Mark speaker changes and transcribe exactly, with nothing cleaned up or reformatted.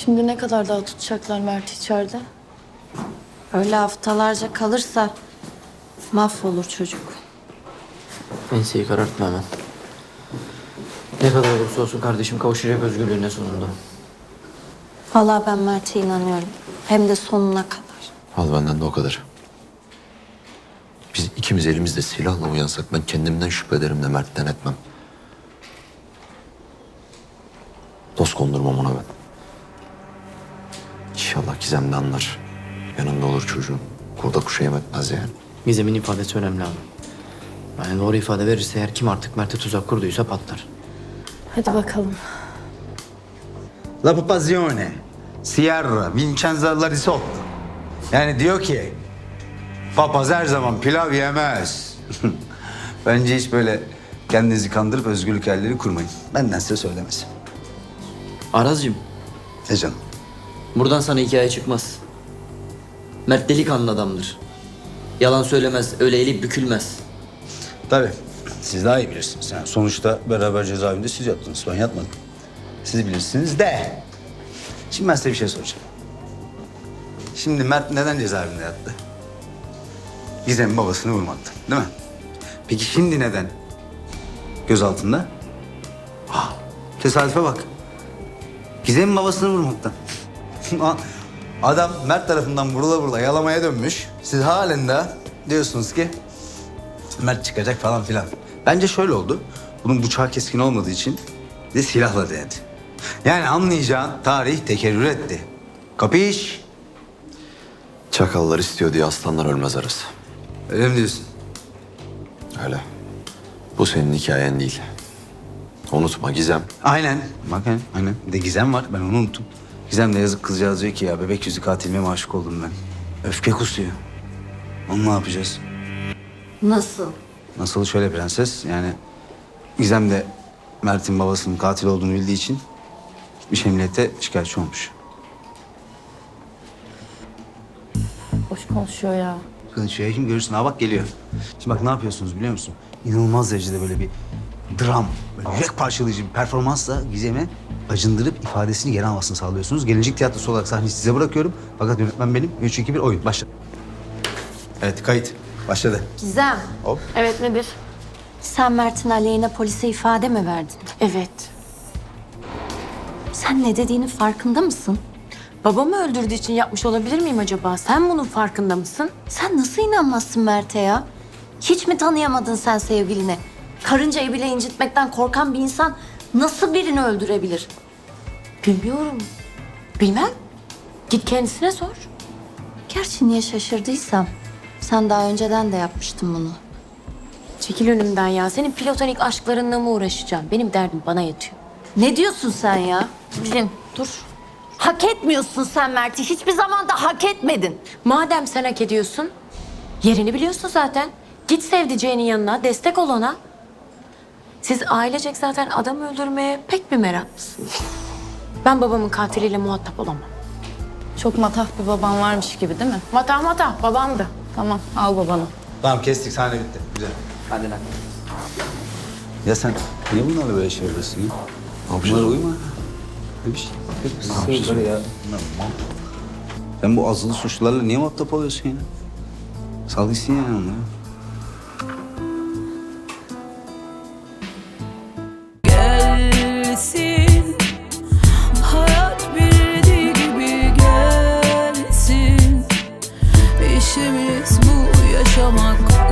Speaker 1: Şimdi ne kadar daha tutacaklar Mert içeride?
Speaker 2: Öyle haftalarca kalırsa mahvolur çocuk.
Speaker 3: Enseyi karartma hemen. Ne kadar olursa olsun kardeşim kavuşacak özgürlüğüne sonunda.
Speaker 2: Vallahi ben Mert'e inanıyorum. Hem de sonuna kadar.
Speaker 4: Al benden de o kadar. Biz ikimiz elimizde silahla uyansak ben kendimden şüphe ederim de Mert'ten etmem. Dost kondurmam ona ben. İnşallah Gizem de anlar. Yanında olur çocuğun. Kurda kuşa yem etmez yani.
Speaker 3: Gizem'in ifadesi önemli abi. Yani doğru ifade verirse eğer kim artık Mert'e tuzak kurduysa patlar.
Speaker 1: Hadi bakalım.
Speaker 5: La Papazione, Sierra, Vincenzo la Risotto. Yani diyor ki, papaz her zaman pilav yemez. Bence hiç böyle kendinizi kandırıp özgürlük hayalleri kurmayın. Benden size söylemesi.
Speaker 3: Arazcığım,
Speaker 5: E canım.
Speaker 3: buradan sana hikaye çıkmaz. Mert delikanlı adamdır. Yalan söylemez, öyle eğilip bükülmez.
Speaker 5: Tabii, siz daha iyi bilirsiniz. Yani sonuçta beraber cezaevinde siz yattınız, ben yatmadım. Siz bilirsiniz de. Şimdi ben size bir şey soracağım. Şimdi Mert neden cezaevinde yattı? Gizem'in babasını vurmaktan, değil mi? Peki şimdi neden gözaltında? Ah, tesadüfe bak. Gizem'in babasını vurmaktan. Adam Mert tarafından vurula vurula yalamaya dönmüş. Siz halen de diyorsunuz ki Mert çıkacak falan filan. Bence şöyle oldu. Bunun bıçağı keskin olmadığı için bir de silahla denedi. Yani anlayacağın tarih tekerrür etti. Kapış?
Speaker 4: Çakallar istiyor diye aslanlar ölmez arası.
Speaker 5: Öyle mi diyorsun?
Speaker 4: Öyle. Bu senin hikayen değil. Unutma Gizem.
Speaker 5: Aynen. Bak aynen. aynen. Bir de Gizem var. Ben onu unuttum. Gizem de yazık kızcağız diyor ki ya bebek yüzü katilime aşık oldum ben. Öfke kusuyor. Onu ne yapacağız?
Speaker 2: Nasıl?
Speaker 5: Nasıl şöyle prenses yani Gizem de Mert'in babasının katil olduğunu bildiği için gitmiş emniyete şikayetçi olmuş.
Speaker 1: Boş konuşuyor ya.
Speaker 5: Konuşuyor kim görürsün ha bak geliyor. Şimdi bak ne yapıyorsunuz biliyor musun? İnanılmaz derecede böyle bir dram, böyle yürek parçalayıcı bir performansla Gizem'e acındırıp ifadesini geri almasını sağlıyorsunuz. Gelecek tiyatrosu olarak sahneyi size bırakıyorum. Fakat yönetmen benim. Üç, iki, bir oyun. Başla. Evet kayıt. Başladı.
Speaker 2: Gizem,
Speaker 5: Hop.
Speaker 1: Evet nedir?
Speaker 2: sen Mert'in aleyhine polise ifade mi verdin?
Speaker 1: Evet.
Speaker 2: Sen ne dediğinin farkında mısın?
Speaker 6: Babamı öldürdüğü için yapmış olabilir miyim acaba? Sen bunun farkında mısın?
Speaker 2: Sen nasıl inanmazsın Mert'e ya? Hiç mi tanıyamadın sen sevgiline? Karıncayı bile incitmekten korkan bir insan nasıl birini öldürebilir?
Speaker 6: Bilmiyorum. Bilmem. Git kendisine sor.
Speaker 2: Gerçi niye şaşırdıysam sen daha önceden de yapmıştın bunu.
Speaker 6: Çekil önümden ya. Senin platonik aşklarınla mı uğraşacağım? Benim derdim bana yatıyor.
Speaker 2: Ne diyorsun sen ya?
Speaker 6: Bilin, dur.
Speaker 2: Hak etmiyorsun sen Mert'i. Hiçbir zaman da hak etmedin.
Speaker 6: Madem sen hak ediyorsun, yerini biliyorsun zaten. Git sevdiceğinin yanına, destek ol ona. Siz ailecek zaten adam öldürmeye pek bir meraklısınız. Ben babamın katiliyle muhatap olamam.
Speaker 1: Çok matah bir baban varmış gibi değil mi?
Speaker 6: Mata mata, babamdı.
Speaker 1: Tamam al babanı.
Speaker 5: Tamam kestik sahne bitti. Güzel.
Speaker 3: Hadi lan.
Speaker 5: Ya sen niye bunlarla böyle şey yapıyorsun ya? Ne yapacağız? Bunlara uyma. Ne bir şey. Ne yapacağız? Ya. Sen bu azılı suçlularla niye muhatap oluyorsun yine? Sal gitsin yani onları.
Speaker 7: Gelsin, hayat bildiği gibi gelsin. İşimiz bu yaşamak.